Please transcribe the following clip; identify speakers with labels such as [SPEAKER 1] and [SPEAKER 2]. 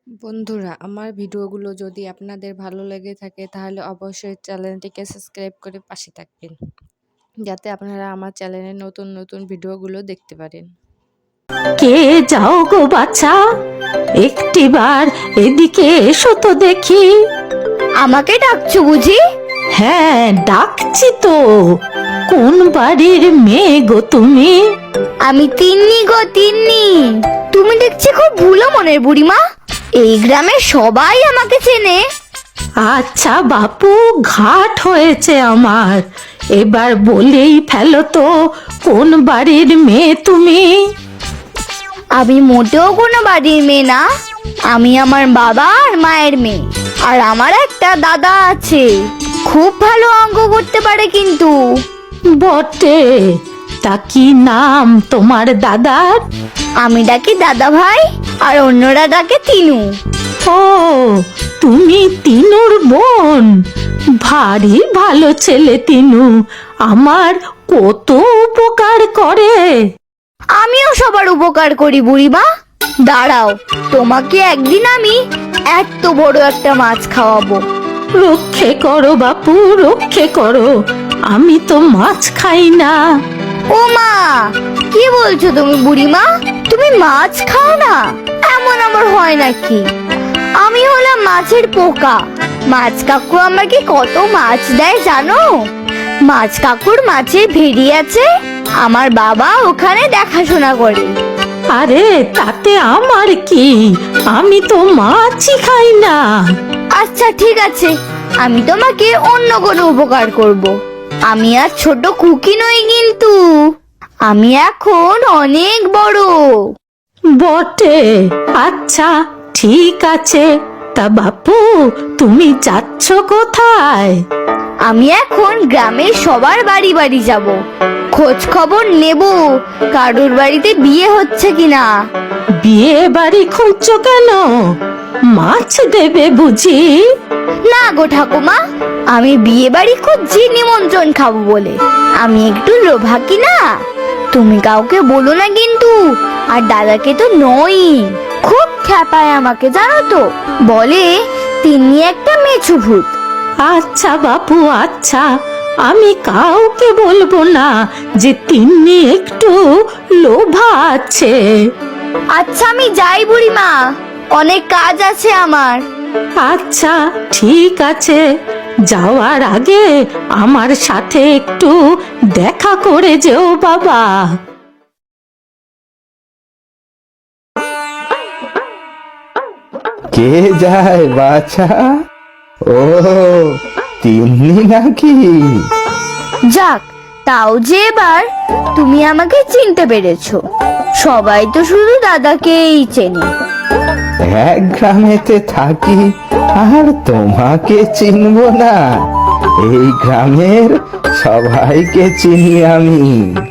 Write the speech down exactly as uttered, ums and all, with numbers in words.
[SPEAKER 1] বন্ধুরা, আমার ভিডিওগুলো যদি আপনাদের ভালো লেগে থাকে তাহলে অবশ্যই চ্যানেলটিকে সাবস্ক্রাইব করে পাশে থাকবেন, যাতে আপনারা আমার চ্যানেলের নতুন নতুন ভিডিওগুলো দেখতে পারেন।
[SPEAKER 2] কে যাও গো বাছা, একটিবার এদিকে এসো তো দেখি।
[SPEAKER 3] আমাকে ডাকছো বুঝি?
[SPEAKER 2] হ্যাঁ, ডাকছি তো। কোন বাড়ির মেয়ে গো তুমি?
[SPEAKER 3] আমি তিন্নি গো তিন্নি। তুমি দেখছি খুব ভুলো মনের বুড়িমা। এই গ্রামের সবাই আমাকে চেনে।
[SPEAKER 2] আচ্ছা বাপু, ঘাট হয়েছে আমার। এবার বলেই ফেলো তো, কোন বাড়ির মেয়ে তুমি?
[SPEAKER 3] আমি মোটেও কোনো বাড়ির মেয়ে না। আমি আমার বাবা আর মায়ের মেয়ে। আর আমার একটা দাদা আছে, খুব ভালো অঙ্ক করতে পারে কিন্তু।
[SPEAKER 2] বটে, তা কি নাম তোমার দাদার?
[SPEAKER 3] আমি ডাকি দাদা ভাই, আর অন্যরা ডাকে তিনু।
[SPEAKER 2] ও, তুমি তিনুর বোন। ভারী ভালো ছেলে তিনু, আমার কত উপকার করে।
[SPEAKER 3] আমিও সবার উপকার করি বুড়িমা। দাঁড়াও, তোমাকে একদিন আমি এত বড় একটা মাছ খাওয়াবো।
[SPEAKER 2] রক্ষে করো বাপু, রক্ষে করো। আমি তো মাছ খাই না।
[SPEAKER 3] ও মা, কি বলছো তুমি বুড়িমা? তুমি মাছ খাও না? এমন আবার হয় নাকি? আমি হলাম মাছের পোকা। মাছ কাকু আমাকে কত মাছ দেয় জানো? মাছ কাকুর মাছের ভেড়ি আছে, আমার বাবা ওখানে দেখাশোনা করে।
[SPEAKER 2] আরে তাতে আমার কি? আমি তো মাছই খাই না।
[SPEAKER 3] আচ্ছা ঠিক আছে, আমি তোমাকে অন্য কোনো উপকার করব। আমি আর ছোট খুকি নই কিন্তু, আমি এখন অনেক বড়।
[SPEAKER 2] বটে, আচ্ছা ঠিক আছে। তা বাপু, তুমি যাচ্ছ কোথায়?
[SPEAKER 3] আমি এখন গ্রামের সবার বাড়ি বাড়ি যাব, খোঁজ খবর নেব কারুর বাড়িতে বিয়ে হচ্ছে কিনা।
[SPEAKER 2] বিয়ে বাড়ি খুঁজছো কেন? মাছ দেবে বুঝি?
[SPEAKER 3] না গো ঠাকুমা, আমি বিয়ে বাড়ি খুঁজছি নিমন্ত্রণ খাবো বলে। আমি একটু লোভাকি না। তুমি কাউকে বলো না কিন্তু। আর দাদাকে তো নই, খুব খ্যাপায় আমাকে জানো তো। বলে তিনি একটা মেছু ভূত।
[SPEAKER 2] আচ্ছা বাপু, আচ্ছা, আমি কাউকে বলবো না যে তিন্নি একটু লোভা আছে।
[SPEAKER 3] আচ্ছা আমি যাই বুড়িমা, অনেক কাজ আছে আমার।
[SPEAKER 2] আচ্ছা ঠিক আছে, যাওয়ার আগে আমার সাথে একটু দেখা করে যেও বাবা।
[SPEAKER 4] কে যায় বাছা? ও, তিন্নি নাকি?
[SPEAKER 3] যাক, তাও যে এবার তুমি আমাকে চিনতে পেরেছো। সবাই তো শুধু দাদাকেই চেনে।
[SPEAKER 4] এক গ্রামেতে থাকি আর তোমাকে চিনবো না? এই গ্রামের সবাইকে চিনি আমি।